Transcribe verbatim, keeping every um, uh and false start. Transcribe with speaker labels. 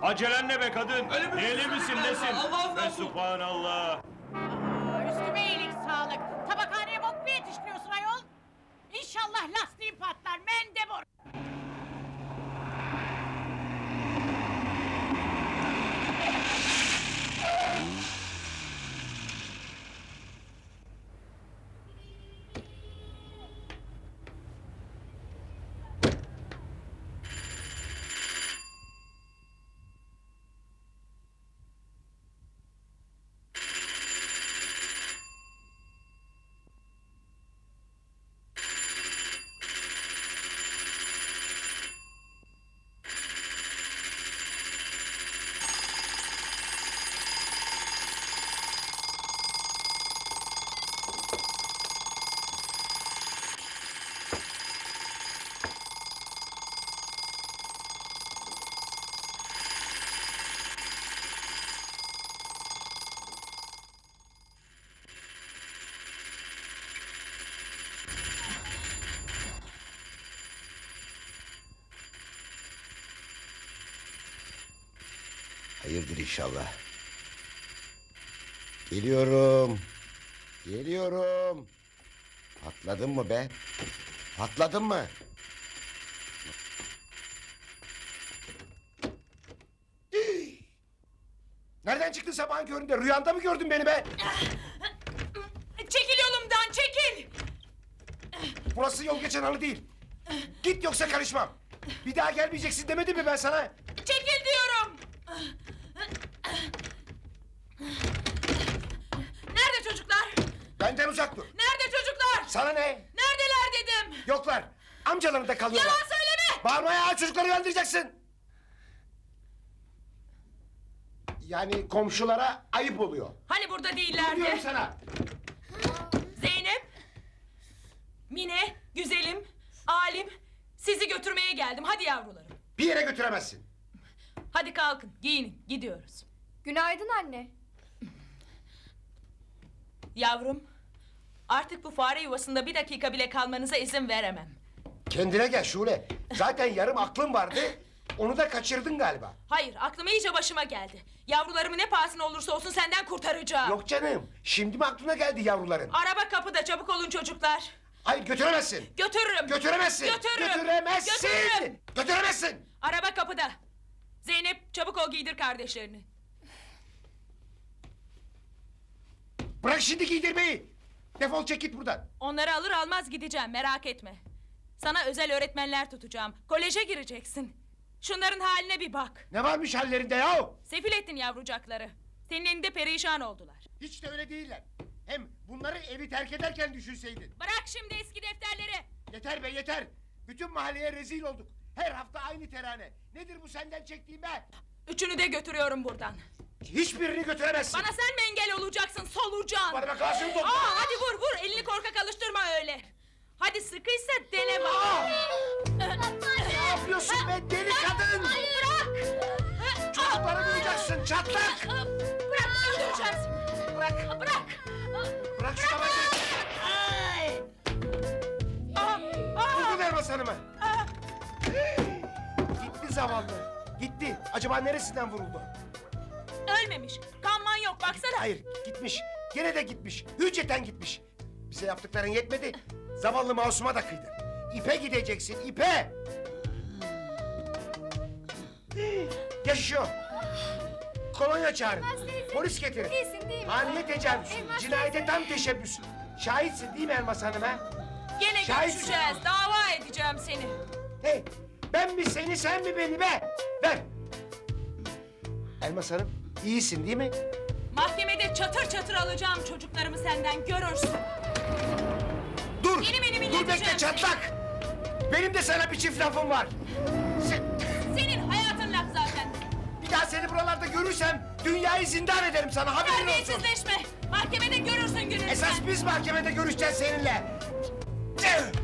Speaker 1: Acelen ne be kadın?
Speaker 2: Öyle mi?
Speaker 1: Deli misin nesin?
Speaker 2: Allah Allah!
Speaker 1: Ve subhanallah.
Speaker 3: Aa, üstüme iyilik sağlık. Tabakhaneye bok mu yetiştiriyorsun ayol? İnşallah lastiğin patlar mendebur.
Speaker 4: Hayırdır inşallah. Geliyorum. Geliyorum. Patladın mı be? Patladın mı? Nereden çıktın sabahın köründe? Rüyanda mı gördün beni be?
Speaker 3: Çekil yolumdan çekil.
Speaker 4: Burası yol geçen halı değil. Git yoksa karışmam. Bir daha gelmeyeceksin demedim mi ben sana?
Speaker 3: Çekil diyorum. Nerede çocuklar?
Speaker 4: Benden uzak dur.
Speaker 3: Nerede çocuklar?
Speaker 4: Sana ne?
Speaker 3: Neredeler dedim.
Speaker 4: Yoklar. Amcalarında kalıyorlar.
Speaker 3: Yalan söyleme.
Speaker 4: Bağırmaya çocukları uyandıracaksın. Yani komşulara ayıp oluyor.
Speaker 3: Hani burada
Speaker 4: Diyorum
Speaker 3: değillerdi?
Speaker 4: sana.
Speaker 3: Zeynep, Mine, güzelim, alim, sizi götürmeye geldim. Hadi yavrularım.
Speaker 4: Bir yere götüremezsin.
Speaker 3: Hadi kalkın, giyinin, gidiyoruz.
Speaker 5: Günaydın anne.
Speaker 3: Yavrum, artık bu fare yuvasında bir dakika bile kalmanıza izin veremem.
Speaker 4: Kendine gel Şule. Zaten yarım aklın vardı. Onu da kaçırdın galiba.
Speaker 3: Hayır, aklım iyice başıma geldi. Yavrularımı ne pahasına olursa olsun senden kurtaracağım.
Speaker 4: Yok canım. Şimdi mi aklına geldi yavruların?
Speaker 3: Araba kapıda, çabuk olun çocuklar.
Speaker 4: Hayır götüremezsin.
Speaker 3: Götürürüm.
Speaker 4: Götüremezsin.
Speaker 3: Götürürüm.
Speaker 4: Götüremezsin.
Speaker 3: Götürürüm.
Speaker 4: Götüremezsin.
Speaker 3: Araba kapıda. Zeynep, çabuk ol giydir kardeşlerini.
Speaker 4: Bırak şimdi giydirmeyi. Defol çek git buradan.
Speaker 3: Onları alır almaz gideceğim, merak etme. Sana özel öğretmenler tutacağım. Koleje gireceksin. Şunların haline bir bak.
Speaker 4: Ne varmış hallerinde yahu?
Speaker 3: Sefil ettin yavrucakları. Senin elinde perişan oldular.
Speaker 4: Hiç de öyle değiller. Hem bunları evi terk ederken düşünseydin.
Speaker 3: Bırak şimdi eski defterleri.
Speaker 4: Yeter be yeter. Bütün mahalleye rezil olduk. Her hafta aynı terane. Nedir bu senden çektiğim be?
Speaker 3: Üçünü de götürüyorum buradan.
Speaker 4: Hiçbirini götüremezsin.
Speaker 3: Bana sen mi engel olacaksın solucan?
Speaker 4: Bana bak ağzını topla.
Speaker 3: Aa, hadi vur vur, elini korkak alıştırma öyle. Hadi sıkıysa dene bak.
Speaker 4: Ne yapıyorsun be deli kadın?
Speaker 3: Bırak.
Speaker 4: Çocukları duyacaksın çatlak.
Speaker 3: Bırak, öldüreceğim seni.
Speaker 4: Bırak.
Speaker 3: Bırak.
Speaker 4: Bırak şu tabancayı.
Speaker 3: Aa, aa,
Speaker 4: Vurdun Elmas Hanım'ı.
Speaker 3: aa.
Speaker 4: Gitti zavallı. Gitti. Acaba neresinden vuruldu?
Speaker 3: Ölmemiş. Kanman yok baksana.
Speaker 4: Hayır gitmiş. Gene de gitmiş. Hücceten gitmiş. Bize yaptıkların yetmedi. Zavallı Masum'a da kıydı. İpe gideceksin ipe. Yaşıyor. Kolonya çağırın. Polis getirin.
Speaker 5: Değilsin değil mi?
Speaker 4: Haniye tecavüz.
Speaker 5: Elmas
Speaker 4: Cinayete tam teşebbüs. Şahitsin değil mi Elmas Hanım ha?
Speaker 3: Gene
Speaker 4: Şahitsin.
Speaker 3: görüşeceğiz. Dava edeceğim seni.
Speaker 4: Hey, ben mi seni sen mi beni be? Ver. Elmas Hanım iyisin değil mi?
Speaker 3: Mahkemede çatır çatır alacağım çocuklarımı senden, görürsün.
Speaker 4: Dur.
Speaker 3: Benim elimi
Speaker 4: Dur bekle
Speaker 3: inleteceğim.
Speaker 4: çatlak. Benim de sana bir çift lafım var. Sen,
Speaker 3: Senin hayatın laf zaten.
Speaker 4: bir daha seni buralarda görürsem dünyayı zindan ederim sana haberin olsun.
Speaker 3: Terbiyesizleşme. Mahkemede görürsün gününü
Speaker 4: Esas
Speaker 3: sen.
Speaker 4: biz mahkemede görüşeceğiz seninle. Eh!